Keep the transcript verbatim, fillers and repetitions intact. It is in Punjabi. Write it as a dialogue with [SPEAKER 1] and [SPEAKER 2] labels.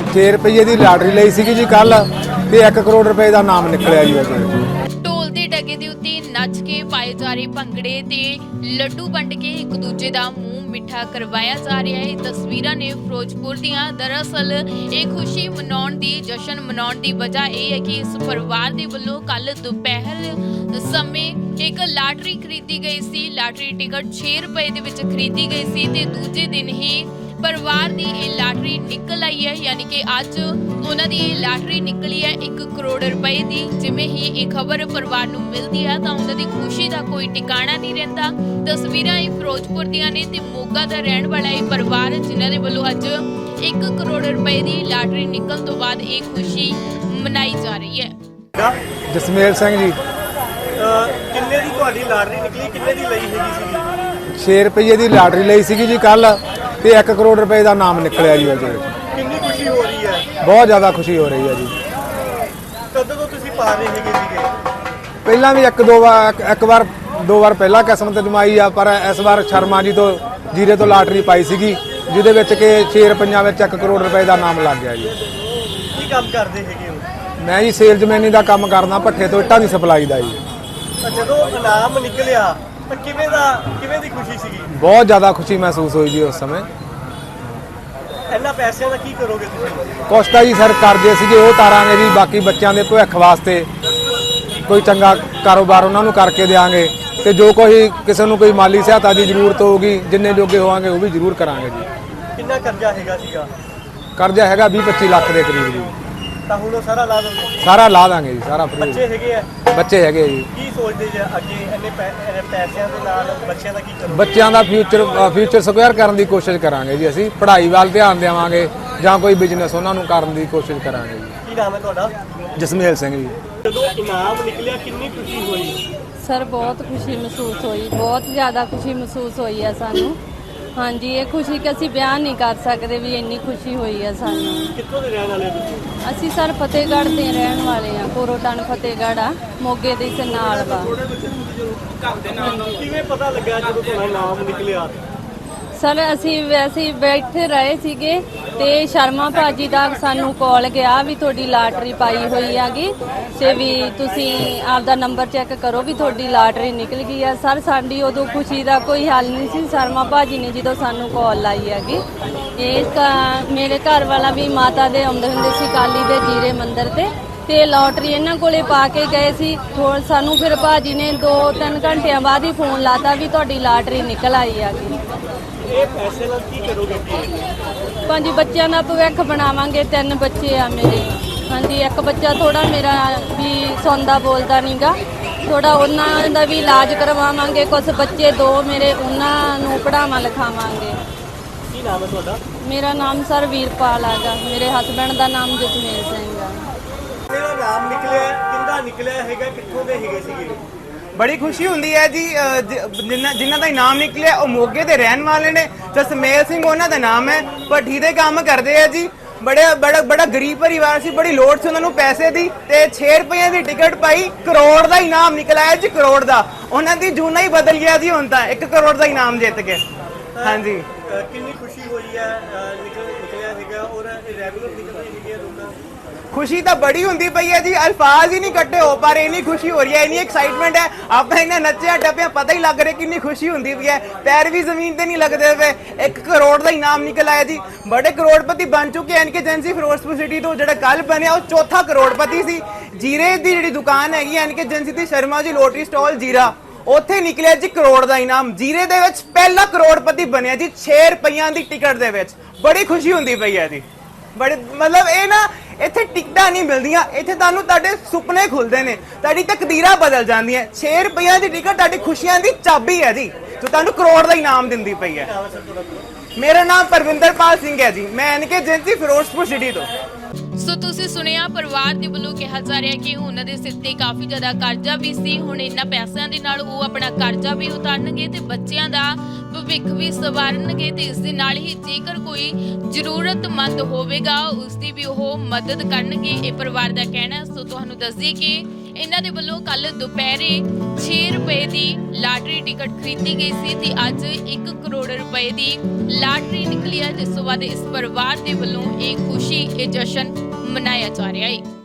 [SPEAKER 1] छे रुपये की लाटरी ली सी जी कल ते एक करोड़ रुपए का नाम निकलिया जी अज।
[SPEAKER 2] ढोल दे डगे दे उत्ते नच के पाए जा रहे भंगड़े ते लड्डू वंड के एक दूजे का मूँह मिठा करवाया जा रहा है। तस्वीरां ने फिरोजपुर दियां। दरअसल ये खुशी मनाउण दी जश्न मनाउण दी वजह यह है कि इस परिवार दे वल्लों कल दोपहर समय एक लाटरी खरीदी गई सी। लाटरी टिकट छे रुपए दे विच खरीदी गई सी ते दूजे दिन ही परिवार की ये लाटरी निकल आई है, यानी कि अज उन्होंने ये लाटरी निकली है एक करोड़ रुपए की। जिमें ही ये खबर परिवार को मिलती है तो उन्होंने खुशी का कोई टिकाणा नहीं रहिंदा। तस्वीरां ही फिरोजपुर दियां ने ते मोगा दा रहण वाला ये परिवार जिन्हां दे वल्लों अज एक करोड़ रुपए की लाटरी निकलण तो बाद ये खुशी मनाई जा रही है।
[SPEAKER 1] जसमेल सिंह जी।
[SPEAKER 3] किन्ने दी तुहाडी लाटरी निकली, किन्ने दी लई हैगी सीगी?
[SPEAKER 1] छे रुपये की लाटरी ली सी जी कल ते एक करोड़ रुपए का नाम निकलिया जी अज।
[SPEAKER 3] कितनी खुशी हो रही है?
[SPEAKER 1] बहुत ज़्यादा खुशी हो रही है जी।
[SPEAKER 3] कदों तो तुसीं पा रहे हैगे सीगे?
[SPEAKER 1] पहला भी एक दो बार एक बार दो बार पहला किस्मत जमाई आ, पर इस बार शर्मा जी तो जीरे तो लाटरी पाई सी जिहदे विच कि छे रुपइयां विच एक करोड़ रुपए का नाम लग गया जी।
[SPEAKER 3] की काम करदे हैगे हो?
[SPEAKER 1] मैं जी सेल्समैनी का काम करना, भट्ठे तो इट्टां दी सप्लाई का जी।
[SPEAKER 3] ਤਾਂ ਜਦੋਂ ਇਨਾਮ ਨਿਕਲਿਆ ਤਾਂ ਕਿਵੇਂ ਦਾ ਕਿਵੇਂ ਦੀ ਖੁਸ਼ੀ ਸੀਗੀ?
[SPEAKER 1] बहुत ज़्यादा खुशी महसूस हुई जी उस समय।
[SPEAKER 3] ਇਹਨਾਂ ਪੈਸਿਆਂ ਦਾ ਕੀ ਕਰੋਗੇ ਤੁਸੀਂ?
[SPEAKER 1] ਕੁਛ ਤਾਂ ਜੀ ਸਰ ਕਰਜ਼ੇ ਸੀਗੇ ਉਹ ਤਾਰਾਂਗੇ ਜੀ, ਬਾਕੀ ਬੱਚਿਆਂ ਦੇ ਭਵਿੱਖ ਵਾਸਤੇ ਕੋਈ ਚੰਗਾ ਕਾਰੋਬਾਰ ਉਹਨਾਂ ਨੂੰ ਕਰਕੇ ਦੇਵਾਂਗੇ ਤੇ ਜੋ ਕੋਈ ਕਿਸੇ ਨੂੰ ਕੋਈ ਮਾਲੀ ਸਹਾਇਤਾ ਦੀ ਜ਼ਰੂਰਤ ਹੋਊਗੀ ਜਿੰਨੇ ਜੋਗੇ ਹੋਵਾਂਗੇ ਉਹ ਵੀ ਜ਼ਰੂਰ ਕਰਾਂਗੇ ਜੀ।
[SPEAKER 3] ਕਿੰਨਾ ਕਰਜ਼ਾ ਹੈਗਾ ਸੀਗਾ?
[SPEAKER 1] ਕਰਜ਼ਾ ਹੈਗਾ ਵੀਹ ਪੱਚੀ ਲੱਖ ਦੇ ਕਰੀਬ ਜੀ।
[SPEAKER 3] ਤਾਂ ਹੁਣ ਉਹ ਸਾਰਾ ਲਾ ਦੋਗੇ?
[SPEAKER 1] ਸਾਰਾ ਲਾ ਦਾਂਗੇ ਜੀ, ਸਾਰਾ ਫ੍ਰੀ।
[SPEAKER 3] ਬੱਚੇ ਹੈਗੇ ਆ?
[SPEAKER 1] ਬੱਚੇ ਹੈਗੇ ਜੀ।
[SPEAKER 3] ਕੀ ਸੋਚਦੇ ਜੇ ਅੱਗੇ ਇੰਨੇ ਪੈ- ਇੰਨੇ ਪੈਸਿਆਂ ਦੇ ਨਾਲ ਬੱਚਿਆਂ ਦਾ ਕੀ ਕਰੋਗੇ?
[SPEAKER 1] ਬੱਚਿਆਂ ਦਾ ਫਿਊਚਰ ਫਿਊਚਰ ਸਕੁਅਰ ਕਰਨ ਦੀ ਕੋਸ਼ਿਸ਼ ਕਰਾਂਗੇ ਜੀ। ਅਸੀਂ ਪੜ੍ਹਾਈ ਵੱਲ ਧਿਆਨ ਦੇਵਾਂਗੇ ਜਾਂ ਕੋਈ ਬਿਜ਼ਨਸ ਉਹਨਾਂ ਨੂੰ ਕਰਨ ਦੀ ਕੋਸ਼ਿਸ਼ ਕਰਾਂਗੇ ਜੀ।
[SPEAKER 3] ਕੀ ਨਾਮ ਹੈ ਤੁਹਾਡਾ?
[SPEAKER 1] ਜਸਮੇਲ ਸਿੰਘ ਜੀ।
[SPEAKER 3] ਜਦੋਂ ਇਨਾਮ ਨਿਕਲਿਆ ਕਿੰਨੀ ਖੁਸ਼ੀ ਹੋਈ?
[SPEAKER 4] ਸਰ ਬਹੁਤ ਖੁਸ਼ੀ ਮਹਿਸੂਸ ਹੋਈ, ਬਹੁਤ ਜ਼ਿਆਦਾ ਖੁਸ਼ੀ ਮਹਿਸੂਸ ਹੋਈ ਹੈ ਸਾਨੂੰ। ਹਾਂਜੀ, ਇਹ ਖੁਸ਼ੀ ਕਿ ਅਸੀਂ ਬਿਆਨ ਨਹੀਂ ਕਰ ਸਕਦੇ ਵੀ ਇੰਨੀ ਖੁਸ਼ੀ ਹੋਈ ਹੈ ਸਾਨੂੰ।
[SPEAKER 3] ਕਿੱਥੋਂ ਦੇ ਰਹਿਣ ਵਾਲੇ ਹੋ ਤੁਸੀਂ?
[SPEAKER 4] ਅਸੀਂ ਸਰ ਫਤਿਹਗੜ੍ਹ ਦੇ ਰਹਿਣ ਵਾਲੇ ਹਾਂ, ਕੋਰੋਟਨ ਫਤਿਹਗੜ੍ਹ ਆ, ਮੋਗੇ ਦੇ ਇਸ ਨਾਲ ਵਾ।
[SPEAKER 3] ਕਿਵੇਂ ਪਤਾ ਲੱਗਾ ਜਦੋਂ ਤੁਹਾਡਾ ਇਨਾਮ ਨਿਕਲਿਆ?
[SPEAKER 4] ਸਰ ਅਸੀਂ ਵੈਸੇ ਹੀ ਬੈਠੇ ਰਹੇ ਸੀਗੇ ਤੇ ਸ਼ਰਮਾ ਭਾਜੀ ਦਾ ਸਾਨੂੰ ਕਾਲ ਗਿਆ ਵੀ ਤੁਹਾਡੀ ਲਾਟਰੀ ਪਾਈ ਹੋਈ ਹੈਗੀ ਤੇ ਵੀ ਤੁਸੀਂ ਆਪਦਾ ਨੰਬਰ ਚੈੱਕ ਕਰੋ ਵੀ ਤੁਹਾਡੀ ਲਾਟਰੀ ਨਿਕਲ ਗਈ ਆ। ਸਰ ਸਾਡੀ ਉਦੋਂ ਖੁਸ਼ੀ ਦਾ ਕੋਈ ਹੱਲ ਨਹੀਂ ਸੀ। ਸ਼ਰਮਾ ਭਾਜੀ ਨੇ ਜਦੋਂ ਸਾਨੂੰ ਕਾਲ ਲਾਈ ਹੈਗੀ, ਇਹ ਮੇਰੇ ਘਰ ਵਾਲਾ ਵੀ ਮਾਤਾ ਦੇ ਆਉਂਦੇ ਹੁੰਦੇ ਸੀ ਕਾਲੀ ਦੇ ਜੀਰੇ ਮੰਦਿਰ ਤੇ ਤੇ ਲੋਟਰੀ ਇਹਨਾਂ ਕੋਲੇ ਪਾ ਕੇ ਗਏ ਸੀ। ਥੋੜ ਸਾਨੂੰ ਫਿਰ ਭਾਜੀ ਨੇ ਦੋ ਤਿੰਨ ਘੰਟਿਆਂ ਬਾਅਦ ਹੀ ਫੋਨ ਲਾਤਾ ਵੀ ਤੁਹਾਡੀ ਲਾਟਰੀ ਨਿਕਲ ਆਈ ਹੈਗੀ।
[SPEAKER 3] ਇਹ ਪੈਸੇ ਨਾਲ ਕੀ ਕਰੋਗੇ?
[SPEAKER 4] ਪੰਜ ਬੱਚਿਆਂ ਦਾ ਭਵਿੱਖ ਬਣਾਵਾਂਗੇ। ਤਿੰਨ ਬੱਚੇ ਆ ਮੇਰੇ। ਹਾਂਜੀ, ਇੱਕ ਬੱਚਾ ਥੋੜਾ ਮੇਰਾ ਵੀ ਸੌਂਦਾ ਬੋਲਦਾ ਨਹੀਂਗਾ, ਥੋੜਾ ਉਹਨਾਂ ਦਾ ਵੀ ਇਲਾਜ ਕਰਵਾਵਾਂਗੇ। ਕੁਝ ਬੱਚੇ ਦੋ ਮੇਰੇ ਉਹਨਾਂ ਨੂੰ ਪੜ੍ਹਾਵਾਂ ਲਿਖਾਵਾਂਗੇ।
[SPEAKER 3] ਕੀ ਨਾਮ ਹੈ ਤੁਹਾਡਾ?
[SPEAKER 4] ਮੇਰਾ ਨਾਮ ਸਰ ਵੀਰਪਾਲ ਹੈਗਾ, ਮੇਰੇ ਹਸਬੈਂਡ ਦਾ ਨਾਮ ਜਸਮੇਲ ਸਿੰਘ ਆ।
[SPEAKER 3] ਮੇਰਾ ਨਾਮ ਨਿਕਲਿਆ, ਕਿੰਦਾ ਨਿਕਲਿਆ ਹੈਗਾ, ਕਿੱਥੋਂ ਦੇ ਹੈਗੇ ਸੀਗੇ?
[SPEAKER 5] ਬੜੀ ਖੁਸ਼ੀ ਹੁੰਦੀ ਹੈ ਜੀ। ਅ, ਜ- ਜਿਨ੍ਹਾਂ ਜਿਨ੍ਹਾਂ ਦਾ ਇਨਾਮ ਨਿਕਲਿਆ ਉਹ ਮੋਗੇ ਦੇ ਰਹਿਣ ਵਾਲੇ ਨੇ। ਜਸਮੇਲ ਸਿੰਘ ਉਹਨਾਂ ਦਾ ਨਾਮ ਹੈ, ਭੱਠੀ ਦੇ ਕੰਮ ਕਰਦੇ ਆ ਜੀ। ਬੜੇ ਬੜਾ ਬੜਾ ਗਰੀਬ ਪਰਿਵਾਰ ਸੀ, ਬੜੀ ਲੋੜ ਸੀ ਉਹਨਾਂ ਨੂੰ ਪੈਸੇ ਦੀ ਤੇ ਛੇ ਰੁਪਏ ਦੀ ਟਿਕਟ ਪਾਈ, ਕਰੋੜ ਦਾ ਇਨਾਮ ਨਿਕਲਿਆ ਜੀ, ਕਰੋੜ ਦਾ। ਉਹਨਾਂ ਦੀ ਜੂਨਾ ਹੀ ਬਦਲ ਗਿਆ ਜੀ, ਹੁਣ ਤਾਂ ਇੱਕ ਕਰੋੜ ਦਾ ਇਨਾਮ ਜਿੱਤ ਕੇ। ਹਾਂਜੀ,
[SPEAKER 3] ਅ, ਕਿੰਨੀ ਖੁਸ਼ੀ ਹੋਈ ਹੈ? ਅ, ਨਿਕਲ ਨਿਕਲਿਆ ਹੈਗਾ ਔਰ ਰੈਗੂਲਰ ਨਿਕਲਦੇ ਹੈਗੇ ਆ ਲੋਕਾਂ ਨੂੰ?
[SPEAKER 5] ਖੁਸ਼ੀ ਤਾਂ ਬੜੀ ਹੁੰਦੀ ਪਈ ਹੈ ਜੀ, ਅਲਫਾਜ਼ ਹੀ ਨਹੀਂ ਕੱਢੇ ਹੋ ਪਾ ਰਹੇ। ਇੰਨੀ ਖੁਸ਼ੀ ਹੋ ਰਹੀ ਹੈ, ਇੰਨੀ ਐਕਸਾਈਟਮੈਂਟ ਹੈ। ਆਪਾਂ ਇਹਨਾਂ ਨੱਚਿਆ ਟੱਪਿਆ ਪਤਾ ਹੀ ਲੱਗ ਰਿਹਾ ਕਿੰਨੀ ਖੁਸ਼ੀ ਹੁੰਦੀ ਪਈ ਹੈ। ਪੈਰ ਵੀ ਜ਼ਮੀਨ ਤੇ ਨਹੀਂ ਲੱਗਦੇ ਪਏ। ਇੱਕ ਕਰੋੜ ਦਾ ਇਨਾਮ ਨਿਕਲ ਆਇਆ ਜੀ। ਬੜੇ ਕਰੋੜਪਤੀ ਬਣ ਚੁੱਕੇ ਹਨ ਕਿ ਏਜੰਸੀ ਫਿਰੋਜ਼ਪੁਰ ਸਿਟੀ ਤੋਂ ਜਿਹੜਾ ਕੱਲ ਬਣਿਆ ਉਹ ਚੌਥਾ ਕਰੋੜਪਤੀ ਸੀ। ਜੀਰੇ ਦੀ ਜਿਹੜੀ ਦੁਕਾਨ ਹੈਗੀ ਐਨ ਕੇ ਏਜੰਸੀ ਦੀ ਸ਼ਰਮਾ ਜੀ ਲੋਟਰੀ ਸਟਾਲ ਜੀਰਾ, ਉੱਥੇ ਨਿਕਲਿਆ ਜੀ ਕਰੋੜ ਦਾ ਇਨਾਮ। ਜੀਰੇ ਦੇ ਵਿੱਚ ਪਹਿਲਾ ਕਰੋੜਪਤੀ ਬਣਿਆ ਜੀ ਛੇ ਰੁਪਈਆਂ ਦੀ ਟਿਕਟ ਦੇ ਵਿੱਚ। ਬੜੀ ਖੁਸ਼ੀ ਹੁੰਦੀ ਪਈ ਹੈ ਜੀ। ਬੜੇ ਮਤਲਬ ਇਹ ਨਾ ਇੱਥੇ ਟਿਕਟਾਂ ਨਹੀਂ ਮਿਲਦੀਆਂ, ਇੱਥੇ ਤੁਹਾਨੂੰ ਤੁਹਾਡੇ ਸੁਪਨੇ ਖੁੱਲਦੇ ਨੇ, ਤੁਹਾਡੀ ਤਕਦੀਰਾਂ ਬਦਲ ਜਾਂਦੀਆਂ। ਛੇ ਰੁਪਈਆਂ ਦੀ ਟਿਕਟ ਤੁਹਾਡੀ ਖੁਸ਼ੀਆਂ ਦੀ ਚਾਬੀ ਹੈ ਜੀ, ਜੋ ਤੁਹਾਨੂੰ ਕਰੋੜ ਦਾ ਇਨਾਮ ਦਿੰਦੀ ਪਈ ਹੈ। ਮੇਰਾ ਨਾਮ ਪਰਵਿੰਦਰਪਾਲ ਸਿੰਘ ਹੈ ਜੀ, ਮੈਂ N K agency Firozpur city ਤੋਂ।
[SPEAKER 2] ਸੋ ਤੁਸੀਂ ਸੁਣਿਆ ਪਰਿਵਾਰ ਦੇ ਵੱਲੋਂ ਕਿਹਾ ਜਾ ਰਿਹਾ ਕਿ ਉਹਨਾਂ ਦੇ ਸਿਰ ਤੇ ਕਾਫੀ ਜ਼ਿਆਦਾ ਕਰਜ਼ਾ ਵੀ ਸੀ। ਹੁਣ ਇਹਨਾਂ ਪੈਸਿਆਂ ਦੇ ਨਾਲ ਉਹ ਆਪਣਾ ਕਰਜ਼ਾ ਵੀ ਉਤਾਰਨਗੇ ਤੇ ਬੱਚਿਆਂ ਦਾ ਭਵਿੱਖ ਵੀ ਸਵਾਰਨਗੇ ਤੇ ਇਸ ਦੇ ਨਾਲ ਹੀ ਜੇਕਰ ਕੋਈ ਜ਼ਰੂਰਤਮੰਦ ਹੋਵੇਗਾ ਉਸ ਦੀ ਵੀ ਉਹ ਮਦਦ ਕਰਨਗੇ, ਇਹ ਪਰਿਵਾਰ ਦਾ ਕਹਿਣਾ। ਸੋ ਤੁਹਾਨੂੰ ਦੱਸ ਦਈਏ ਕਿ ਇਹਨਾਂ ਦੇ ਵੱਲੋਂ ਕੱਲ ਦੁਪਹਿਰੇ ਛੇ ਰੁਪਏ ਦੀ ਲਾਟਰੀ ਟਿਕਟ ਖਰੀਦੀ ਗਈ ਸੀ ਤੇ ਅੱਜ ਇੱਕ ਕਰੋੜ ਰੁਪਏ ਦੀ ਲਾਟਰੀ ਨਿਕਲੀ ਹੈ, ਜਿਸ ਤੋਂ ਬਾਅਦ ਇਸ ਪਰਿਵਾਰ ਦੇ ਵੱਲੋਂ ਇਹ ਖੁਸ਼ੀ, ਇਹ ਜਸ਼ਨ ਮਨਾਇਆ ਜਾ ਰਿਹਾ ਹੈ।